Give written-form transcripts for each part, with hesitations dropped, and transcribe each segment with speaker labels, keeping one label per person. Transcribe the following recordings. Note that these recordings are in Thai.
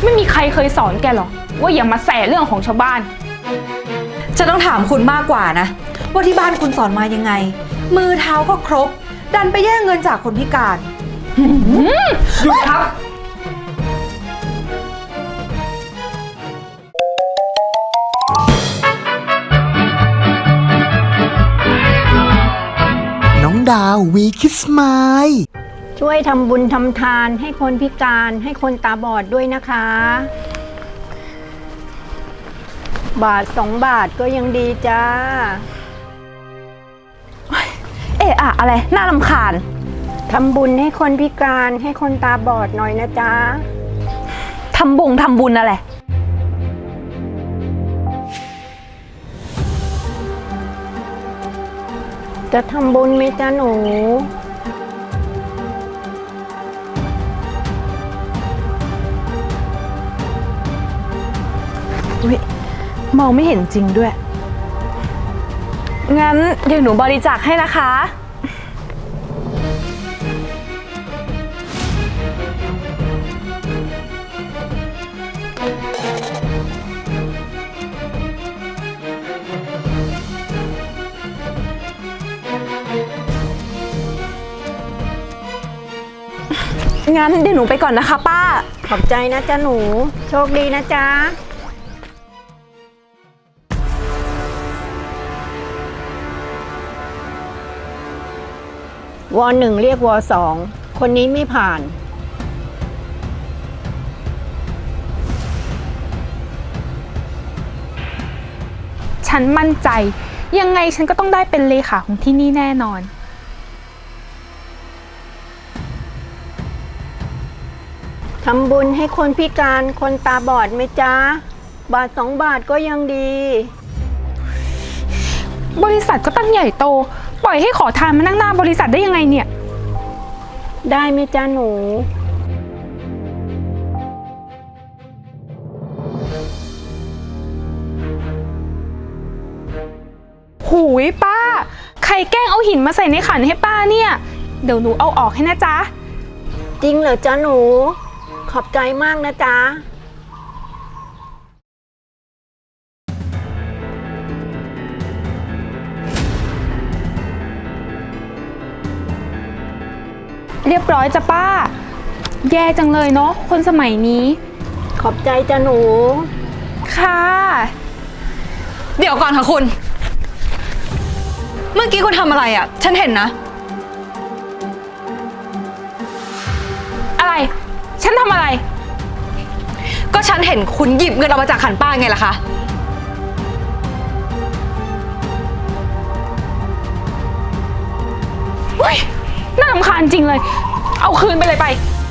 Speaker 1: ไม่มีใครเคยสอนแกหรอกว่าอย่ามาแสเรื่องของชาวบ้าน
Speaker 2: จะต้องถามคุณมากกว่านะว่าที่บ้านคุณสอนมายังไงมือเท้าก็ครบดันไปแย่งเงินจากคนพิการ
Speaker 1: หยุดครับ
Speaker 3: น้องดาววีคิสไมล์
Speaker 4: ช่วยทำบุญทำทานให้คนพิการให้คนตาบอดด้วยนะคะบาท2 บาทก็ยังดีจ้า
Speaker 2: อะไรน่ารำคาญ
Speaker 4: ทำบุญให้คนพิการให้คนตาบอดหน่อยนะจ๊ะ
Speaker 2: ทำบุญอะไร
Speaker 4: จะทำบุญไหมจ๊ะหนู
Speaker 2: มองไม่เห็นจริงด้วยงั้นเดี๋ยวหนูบริจาคให้นะคะงั้นเดี๋ยวหนูไปก่อนนะคะป้า
Speaker 4: ขอบใจนะจ๊ะหนูโชคดีนะจ๊ะว.1 เรียกว.2 คนนี้ไม่ผ่าน
Speaker 1: ฉันมั่นใจยังไงฉันก็ต้องได้เป็นเลขาของที่นี่แน่นอน
Speaker 4: ทำบุญให้คนพิการคนตาบอดไหมจ๊ะบาท2 บาทก็ยังดี
Speaker 1: บริษัทก็ตั้งใหญ่โตปล่อยให้ขอทานมานั่งหน้าบริษัทได้ยังไงเนี่ย
Speaker 4: ได้ไหมจ๊ะหนู
Speaker 1: หูยป้าใครแกล้งเอาหินมาใส่ในขันให้ป้าเนี่ยเดี๋ยวหนูเอาออกให้นะจ๊ะ
Speaker 4: จริงเหรอจ๊ะหนูขอบใจมากนะจ๊ะ
Speaker 1: เรียบร้อยจ้ะป้าแย่จังเลยเนาะคนสมัยนี้
Speaker 4: ขอบใจจ้ะหนู
Speaker 1: ค่ะ
Speaker 2: เดี๋ยวก่อนค่ะคุณเมื่อกี้คุณทำอะไรอ่ะฉันเห็นนะ
Speaker 1: อะไรฉันทำอะไร
Speaker 2: ก็ฉันเห็นคุณหยิบเงินออกมาจากขันป้าไงล่ะคะ
Speaker 1: เฮ้ยน่ารำคาญจริงเลยเอาคืนไปเลยไป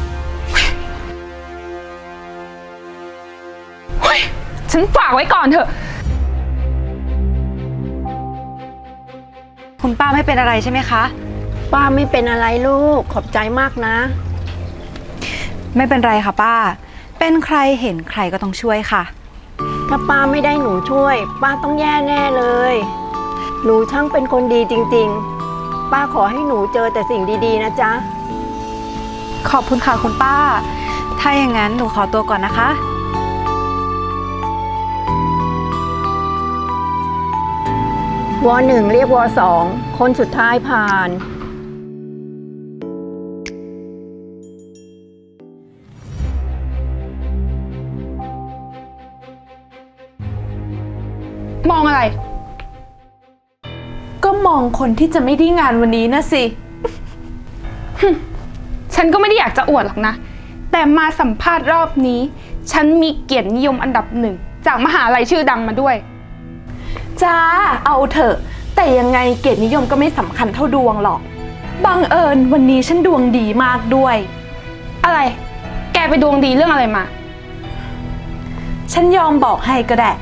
Speaker 1: เฮ้ยฉันฝากไว้ก่อนเถอะ
Speaker 2: คุณป้าไม่เป็นอะไรใช่ไหมคะ
Speaker 4: ป้าไม่เป็นอะไรลูกขอบใจมากนะ
Speaker 2: ไม่เป็นไรค่ะป้าเป็นใครเห็นใครก็ต้องช่วยค่ะ
Speaker 4: ถ้าป้าไม่ได้หนูช่วยป้าต้องแย่แน่เลยหนูช่างเป็นคนดีจริงๆป้าขอให้หนูเจอแต่สิ่งดีๆนะจ๊ะ
Speaker 2: ขอบคุณค่ะคุณป้าถ้าอย่างนั้นหนูขอตัวก่อนนะคะ
Speaker 4: ว.1 เรียกว.2 คนสุดท้ายผ่าน
Speaker 1: มองอะไร
Speaker 2: ก็มองคนที่จะไม่ได้งานวันนี้นะสิ
Speaker 1: ฉันก็ไม่ได้อยากจะอวดหรอกนะแต่มาสัมภาษณ์รอบนี้ฉันมีเกียรตินิยมอันดับ1จากมหาลัยชื่อดังมาด้วย
Speaker 2: จ้าเอาเถอะแต่ยังไงเกียรตินิยมก็ไม่สำคัญเท่าดวงหรอกบังเอิญวันนี้ฉันดวงดีมากด้วย
Speaker 1: อะไรแกไปดวงดีเรื่องอะไรมา
Speaker 2: ฉันยอมบอกให้ก็ได้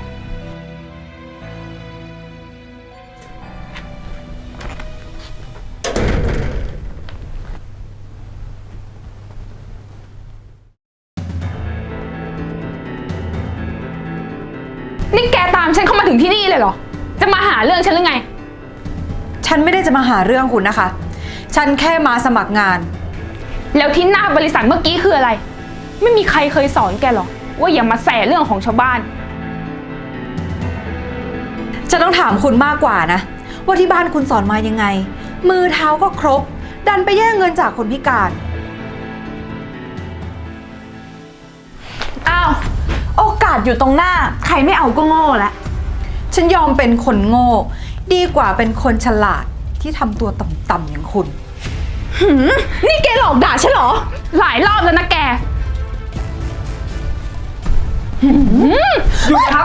Speaker 1: นี่แกตามฉันเข้ามาถึงที่นี่เลยเหรอจะมาหาเรื่องฉันหรือไง
Speaker 2: ฉันไม่ได้จะมาหาเรื่องคุณนะคะฉันแค่มาสมัครงาน
Speaker 1: แล้วที่หน้าบริษัทเมื่อกี้คืออะไรไม่มีใครเคยสอนแกหรอว่าอย่ามาแสเรื่องของชาวบ้าน
Speaker 5: จะต้องถามคุณมากกว่านะว่าที่บ้านคุณสอนมายังไง มือเท้าก็ครบ ดันไปแย่งเงินจากคนพิการ
Speaker 2: อ้าว โอกาสอยู่ตรงหน้า ใครไม่เอาก็โง่ละ
Speaker 5: ฉันยอมเป็นคนโง่ ดีกว่าเป็นคนฉลาดที่ทำตัวต่ำๆอย่างคุณ
Speaker 2: นี่แกหลอกด่าฉันเหรอ
Speaker 1: หลายรอบแล้วนะแก
Speaker 6: หยุดครับ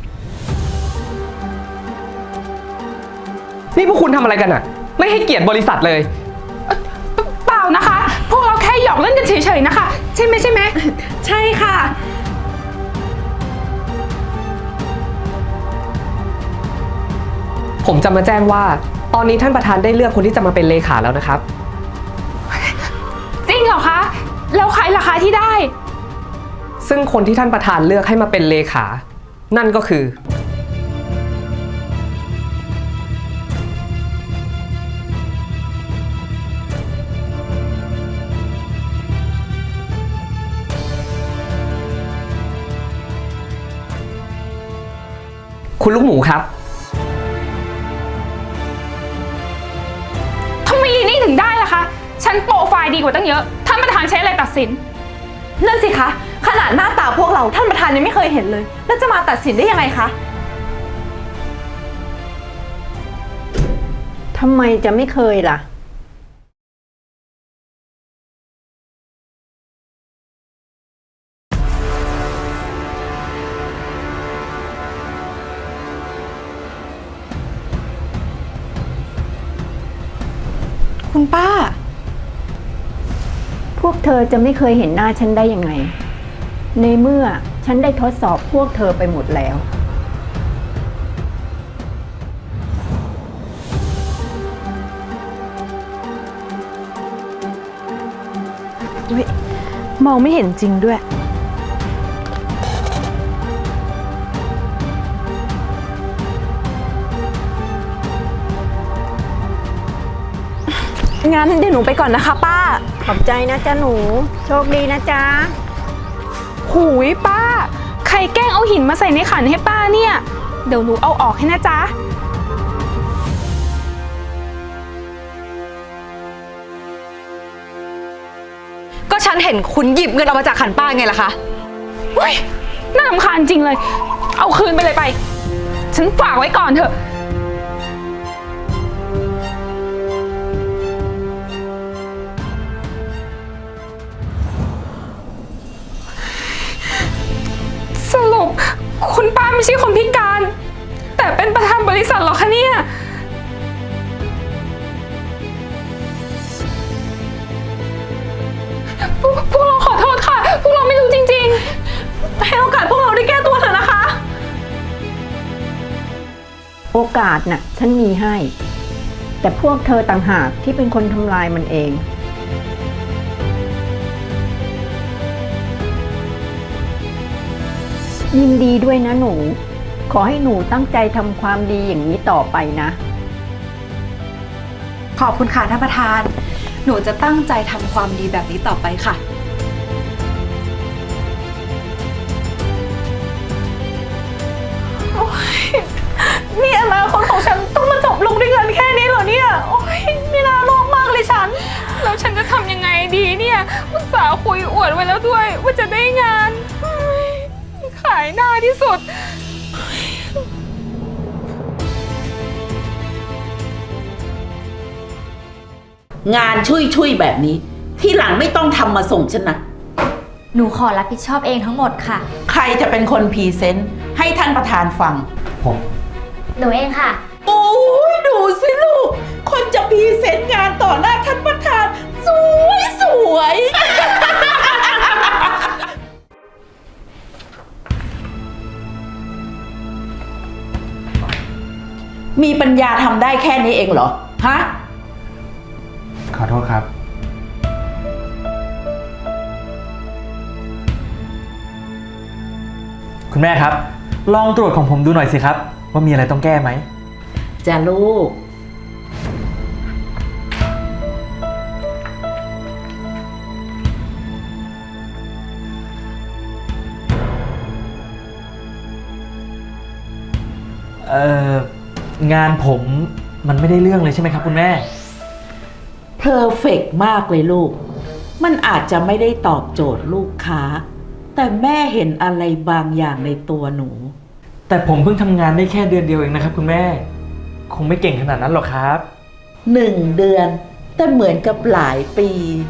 Speaker 6: นี่พวกคุณทำอะไรกันอะไม่ให้เกียรติบริษัทเลย
Speaker 1: เปล่านะคะ พวกเราแค่หยอกเล่นกันเฉยๆนะคะ ใช่ไหม
Speaker 2: ใช่ค่ะ
Speaker 6: ผมจะมาแจ้งว่า ตอนนี้ท่านประธานได้เลือกคนที่จะมาเป็นเลขาแล้วนะครับ
Speaker 1: จริงเหรอคะ แล้วใครล่ะคะที่ได้
Speaker 6: ซึ่งคนที่ท่านประธานเลือกให้มาเป็นเลขา นั่นก็คือ คุณลูกหมูครับ
Speaker 1: ทำไมยีนี่ถึงได้ล่ะคะ ฉันโปรไฟล์ดีกว่าตั้งเยอะ ท่านประธานใช้อะไรตัดสิน
Speaker 2: นั่นสิคะ ขนาดหน้าตาพวกเราท่านประธานยังไม่เคยเห็นเลย แล้วจะมาตัดสินได้ยังไงคะ
Speaker 4: ทำไมจะไม่เคยล่ะ
Speaker 5: คุณป้า
Speaker 4: พวกเธอจะไม่เคยเห็นหน้าฉันได้ยังไง ในเมื่อฉันได้ทดสอบพวกเธอไปหมดแล้ว
Speaker 2: มองไม่เห็นจริงด้วย งั้นเดี๋ยวหนูไปก่อนนะคะป้า
Speaker 4: ขอบใจนะจ๊ะหนู โชคดีนะจ๊ะ
Speaker 1: หูยป้า ใครแกล้งเอาหินมาใส่ในขันให้ป้าเนี่ย เดี๋ยวหนูเอาออกให้นะจ๊ะ
Speaker 5: ก็ฉันเห็นคุณหยิบเงินออกมาจากขันป้าไงล่ะคะ
Speaker 1: อุ้ยน่ารำคาญจริงเลย เอาคืนไปเลยไป ฉันฝากไว้ก่อนเถอะ สรุปคุณป้าไม่ใช่คนพิการ แต่เป็นประธานบริษัทเหรอคะเนี่ย พวกเราขอโทษค่ะ พวกเราไม่รู้จริงๆ
Speaker 2: ให้โอกาสพวกเราได้แก้ตัวเถอะนะคะ
Speaker 4: โอกาสน่ะ ฉันมีให้ แต่พวกเธอต่างหากที่เป็นคนทำลายมันเอง ยินดีด้วยนะหนู ขอให้หนูตั้งใจทำความดีอย่างนี้ต่อไปนะ
Speaker 5: ขอบคุณค่ะท่านประธาน หนูจะตั้งใจทำความดีแบบนี้ต่อไปค่ะ
Speaker 2: นี่อนาคตของฉันต้องมาจบลงด้วยเงินแค่นี้เหรอเนี่ย โอ๊ยไม่น่าโลภมากเลยฉัน
Speaker 1: แล้วฉันจะทำยังไงดีเนี่ยอุตส่าห์คุยอวดไว้แล้วด้วย ว่าจะได้งานเฮ้ยขายหน้าที่สุด
Speaker 7: งานชุยๆแบบนี้ ที่หลังไม่ต้องทำมาส่งฉันนะ
Speaker 8: หนูขอรับผิดชอบเองทั้งหมดค่ะ
Speaker 7: ใครจะเป็นคนพรีเซนต์ให้ท่านประธานฟัง
Speaker 8: หนูเองค่ะ
Speaker 7: โอ้ยดูสิลูก คนจะพรีเซนต์งานต่อหน้าท่านประธาน สวยสวย มีปัญญาทำได้แค่นี้เองเหรอ ฮะ
Speaker 9: ขอโทษครับ คุณแม่ครับ ลองตรวจของผมดูหน่อยสิครับ ว่ามีอะไรต้องแก้ไหม
Speaker 7: จ้ะลูก
Speaker 9: คงานผมมันไม่ได้เรื่องเลยใช่ไหมครับคุณแม่
Speaker 7: เพอร์เฟกต์มากเลยลูก มันอาจจะไม่ได้ตอบโจทย์ลูกค้า แต่แม่เห็นอะไรบางอย่างในตัวหนู
Speaker 9: แต่ผมเพิ่งทำงานได้แค่เดือนเดียวเองนะครับคุณแม่ คงไม่เก่งขนาดนั้นหรอกครับ
Speaker 7: 1 เดือน แต่เหมือนกับหลายปี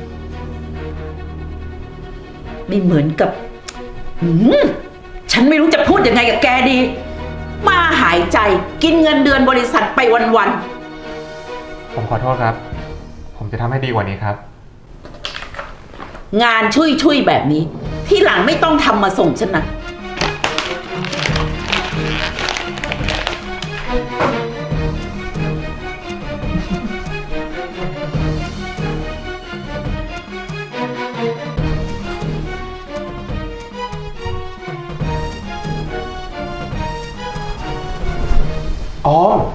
Speaker 7: ไม่เหมือนกับฉันไม่รู้จะพูดยังไงกับแกดี มาหายใจกินเงินเดือนบริษัทไปวัน
Speaker 10: ผมขอโทษครับ ผมจะทำให้ดีกว่านี้ครับ
Speaker 7: ๆงานชุยๆแบบนี้ ที่หลังไม่ต้องทำมาส่งฉันนะ
Speaker 10: ออม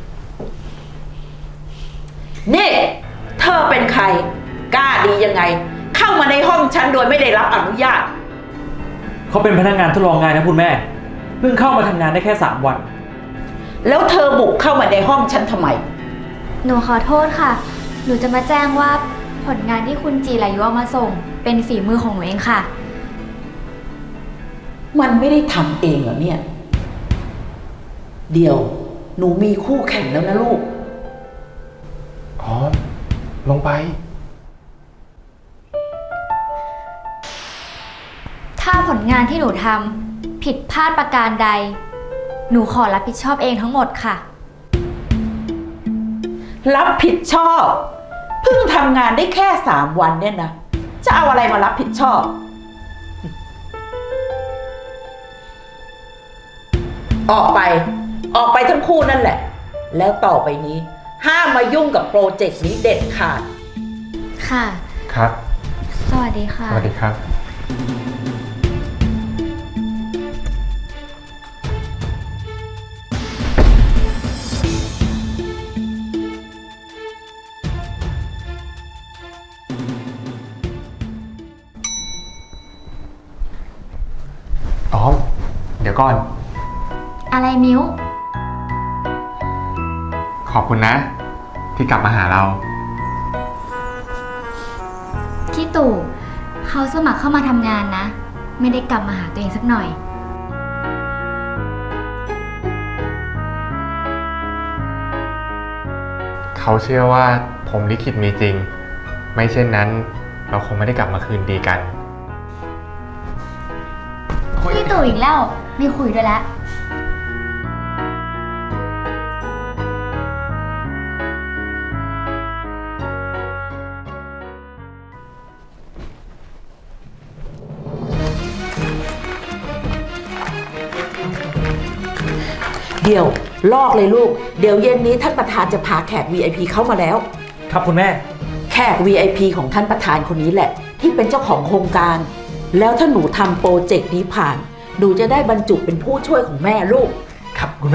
Speaker 7: นี่ เธอเป็นใคร กล้าดียังไง เข้ามาในห้องฉันโดยไม่ได้รับอนุญาต
Speaker 9: เขาเป็นพนักงานทดลองงานนะคุณแม่ เพิ่งเข้ามาทำงานได้แค่3 วัน
Speaker 7: แล้วเธอบุกเข้ามาในห้องฉันทำไม
Speaker 8: หนูขอโทษค่ะ หนูจะมาแจ้งว่าผลงานที่คุณจีรายุเอามาส่ง เป็นฝีมือของหนูเองค่ะ
Speaker 7: มันไม่ได้ทำเองเหรอเนี่ย เดี๋ยว หนูมีคู่แข่งแล้วนะลูก
Speaker 10: ออม ลงไป
Speaker 8: ถ้าผลงานที่หนูทำผิดพลาดประการใด หนูขอรับผิดชอบเองทั้งหมดค่ะ
Speaker 7: รับผิดชอบ เพิ่งทำงานได้แค่3 วันเนี่ยนะ จะเอาอะไรมารับผิดชอบ ออกไปทั้งคู่นั่นแหละ แล้วต่อไปนี้ ห้ามมายุ่งกับโปรเจกต์นี้เด็ดขาด
Speaker 8: ค่ะ
Speaker 10: ครับ
Speaker 8: สวัสดีค่ะ
Speaker 10: สวัสดีครับ ออม เดี๋ยวก่อน
Speaker 8: อะไรมิ้ว
Speaker 10: ขอบคุณนะ ที่กลับมาหาเรา
Speaker 8: พี่ตู่เขาสมัครเข้ามาทำงานนะ ไม่ได้กลับมาหาตัวเองสักหน่อย
Speaker 10: เขาเชื่อว่าผมลิขิตมีจริง ไม่เช่นนั้น เราคงไม่ได้กลับมาคืนดีกัน
Speaker 8: พี่ตู่อีกแล้ว ไม่คุยด้วยแล้ว
Speaker 7: เดี๋ยวลอกเลยลูก เดี๋ยวเย็นนี้ท่านประธานจะพาแขก VIP เข้ามาแล้ว
Speaker 9: ครับคุณแม่
Speaker 7: แขก VIP ของท่านประธานคนนี้แหละ ที่เป็นเจ้าของโครงการ แล้วถ้าหนูทำโปรเจกต์นี้ผ่าน หนูจะได้บรรจุเป็นผู้ช่วยของแม่ลูก
Speaker 9: ครับคุณแม่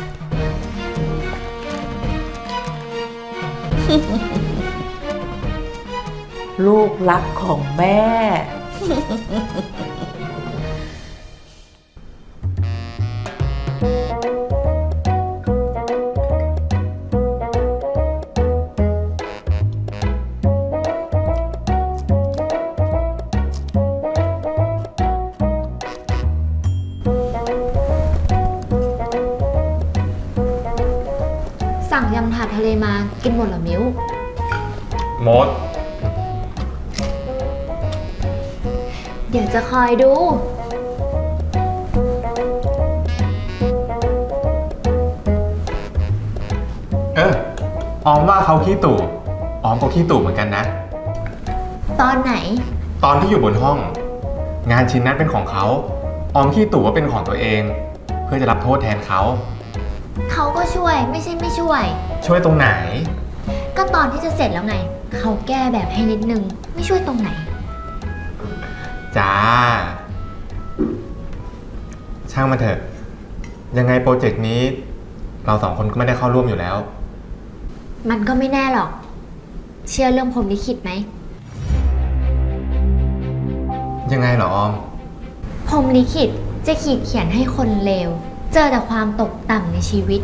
Speaker 7: ลูกรักของแม่
Speaker 8: สั่งยำถาดทะเลมากินหมดเหรอมิ้ว
Speaker 10: มด
Speaker 8: เดี๋ยวจะคอยดู
Speaker 10: ออมว่าเขาขี้ตู่ ออมก็ขี้ตู่เหมือนกันนะ
Speaker 8: ตอนไหน
Speaker 10: ตอนที่อยู่บนห้อง งานชิ้นนั้นเป็นของเขา ออมขี้ตู่ว่าเป็นของตัวเอง เพื่อจะรับโทษแทนเขา
Speaker 8: เขาก็ช่วยไม่ใช่ไม่ช่วย
Speaker 10: ช่วยตรงไหน
Speaker 8: ก็ตอนที่จะเสร็จแล้วไง เขาแก้แบบให้นิดนึง ไม่ช่วยตรงไหน
Speaker 10: จ้า ช่างมันเถอะ ยังไงโปรเจกต์นี้ เรา2 คนก็ไม่ได้เข้าร่วมอยู่แล้ว
Speaker 8: มันก็ไม่แน่หรอก เชื่อเรื่องพรหมลิขิตไหม
Speaker 10: ยังไงเหรอออม
Speaker 8: พรหมลิขิตจะขีดเขียนให้คนเลวเจอแต่ความตกต่ำในชีวิต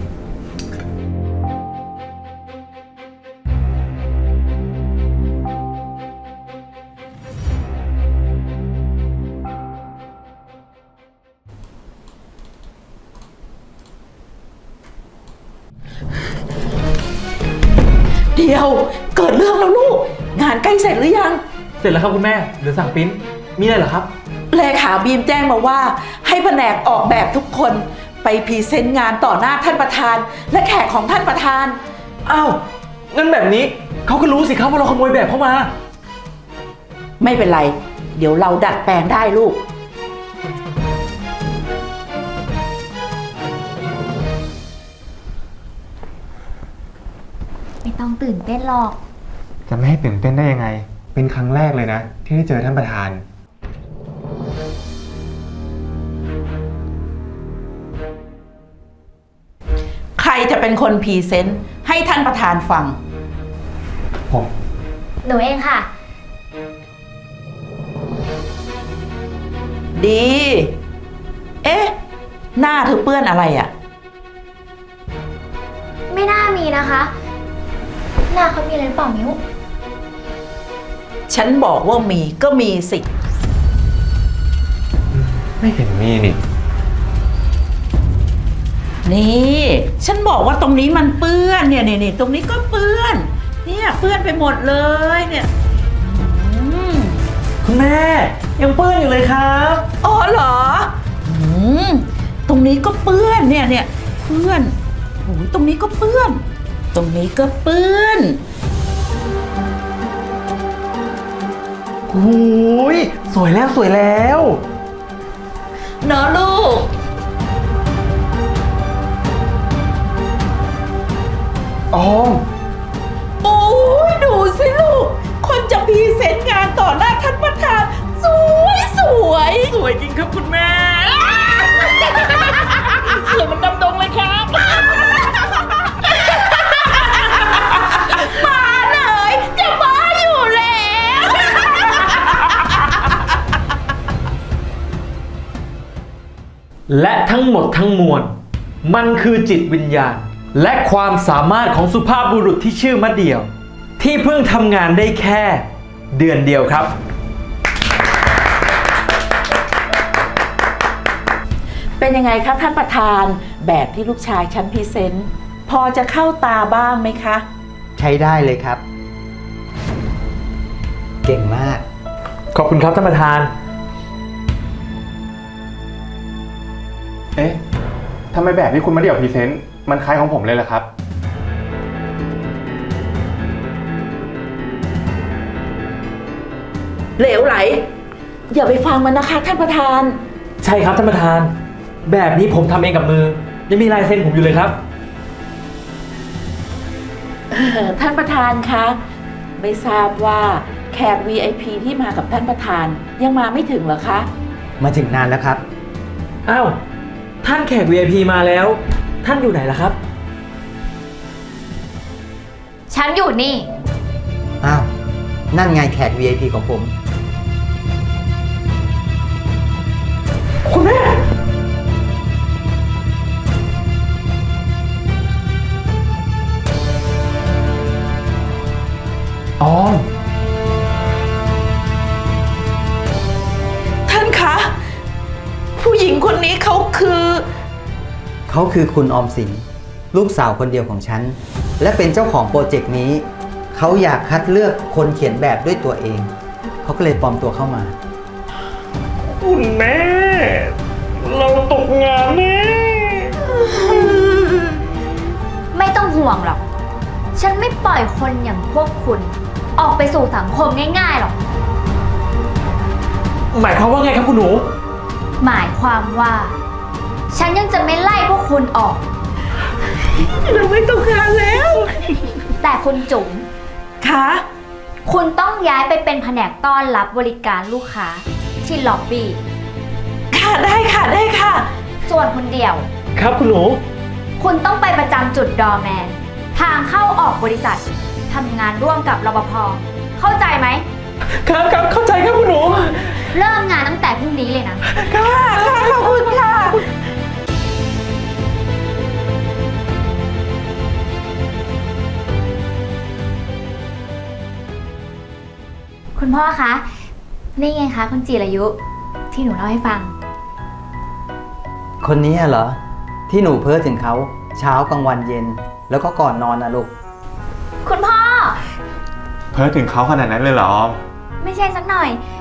Speaker 7: เดี๋ยวเกิดเรื่องแล้วลูก งานใกล้เสร็จหรือยัง
Speaker 9: เสร็จแล้วครับคุณแม่เหลือสั่งปริ้นมีอะไรเหรอครับ
Speaker 7: เลขาบีมแจ้งมาว่าให้แผนกออกแบบทุกคนไปพรีเซนต์งานต่อหน้าท่านประธาน และแขกของท่านประธาน
Speaker 9: อ้าวงั้นแบบนี้เขาก็รู้สิครับว่าเราขโมยแบบเข้ามา
Speaker 7: ไม่เป็นไร เดี๋ยวเราดัดแปลงได้ลูก
Speaker 8: ไม่ต้องตื่นเต้นหรอก
Speaker 10: จะไม่ให้ตื่นเต้นได้ยังไง เป็นครั้งแรกเลยนะ ที่ได้เจอท่านประธาน
Speaker 7: ใครจะเป็นคนพรีเซนต์ให้ท่านประธานฟัง
Speaker 10: ผม
Speaker 8: หนูเองค่ะ
Speaker 7: ดี เอ๊ะ หน้าเธอเปื้อนอะไรอะ่ะ
Speaker 8: ไม่น่ามีนะคะ หน้าเขามีอะไรหรือเปล่ามิ้ว
Speaker 7: ฉันบอกว่ามีก็มีสิ
Speaker 10: ไม่เห็นมีนี่
Speaker 7: นี่ ฉันบอกว่าตรงนี้มันเปื้อนเนี่ยนี่ตรงนี้ก็เปื้อน เนี่ยเปื้อนไปหมดเลยเนี่ยอืม
Speaker 9: คุณแม่ยังเปื้อนอยู่เลยครับ
Speaker 7: อ๋อเหรออืมตรงนี้ก็เปื้อนเนี่ยเปื้อนโอ้ยตรงนี้ก็เปื้อน ตรงนี้ก็เปื้อน
Speaker 9: โอ้ยสวยแล้วสวยแล้ว
Speaker 7: เนอะลูก
Speaker 10: ออม
Speaker 7: โอ้ยดูสิลูก คนจะพรีเซนต์งานต่อหน้าท่านประธาน สวยสวยจริงครับคุณแม่ สวยมันดำดงเลยครับมาเลยจะมาอยู่แล้ว
Speaker 9: และทั้งหมดทั้งมวลมันคือจิตวิญญาณ และความสามารถของสุภาพบุรุษที่ชื่อมะเดี่ยว ที่เพิ่งทำงานได้แค่เดือนเดียวครับ
Speaker 7: เป็นยังไงคะท่านประธานแบบที่ลูกชายฉันพรีเซนต์พอจะเข้าตาบ้างไหมคะ
Speaker 11: ใช้ได้เลยครับ เก่งมาก
Speaker 9: ขอบคุณครับท่านประธาน
Speaker 10: เอ๊ะทำไมแบบที่คุณมาเดี่ยวพรีเซนต์มันคล้ายของผมเลยล่ะครับ
Speaker 7: เหลวไหล อย่าไปฟังมันนะคะท่านประธาน
Speaker 9: ใช่ครับท่านประธาน แบบนี้ผมทำเองกับมือยังมีลายเซ็นผมอยู่เลยครับ
Speaker 7: ท่านประธานคะ ไม่ทราบว่าแขก VIP ที่มากับท่านประธานยังมาไม่ถึงเหรอคะ
Speaker 11: มาถึงนานแล้วครับ
Speaker 9: อ้าว ท่านแขก VIP มาแล้ว ท่านอยู่ไหนล่ะครับ
Speaker 8: ฉันอยู่นี่
Speaker 11: อ้าว นั่นไงแขก VIP ของผม
Speaker 9: คุณแม่ ออม
Speaker 7: ท่านคะ ผู้หญิงคนนี้เขาคือ
Speaker 11: เขาคือคุณออมสิน ลูกสาวคนเดียวของฉัน และเป็นเจ้าของโปรเจกต์นี้ เขาอยากคัดเลือกคนเขียนแบบด้วยตัวเอง เขาก็เลยปลอมตัวเข้ามา
Speaker 9: คุณแม่ เราตกงานแน่
Speaker 8: ไม่ต้องห่วงหรอก ฉันไม่ปล่อยคนอย่างพวกคุณ ออกไปสู่สังคมง่ายๆหรอก
Speaker 9: หมายความว่าไงครับคุณหนู
Speaker 8: หมายความว่า ฉันยังจะไม่ไล่พวกคุณออก
Speaker 7: เราไม่ต้องการแล้ว
Speaker 8: แต่คุณจุ๋ม
Speaker 7: คะ
Speaker 8: คุณต้องย้ายไปเป็นแผนกต้อนรับบริการลูกค้าที่ล็อบบี้
Speaker 7: ค่ะได้ค่ะได้ค่ะ
Speaker 8: ส่วนคุณเดี่ยว
Speaker 9: ครับคุณหนู
Speaker 8: คุณต้องไปประจำจุดดอร์แมน ทางเข้าออกบริษัททำงานร่วมกับรปภเข้าใจไหม
Speaker 9: ครับเข้าใจครับคุณหนู
Speaker 8: เริ่มงานตั้งแต่พรุ่งนี้เลยนะ
Speaker 7: ค่ะขอบคุณค่ะ
Speaker 8: พ่อคะ นี่ไงคะคุณจิรายุ ที่หนูเล่าให้ฟัง
Speaker 11: คนนี้เหรอ ที่หนูเพ้อถึงเขาเช้ากลางวันเย็น แล้วก็ก่อนนอนนะลูก
Speaker 8: คุณพ่อ
Speaker 10: เพ้อถึงเขาขนาดนั้นเลยเหรอออม
Speaker 8: ไม่ใช่สักหน่อย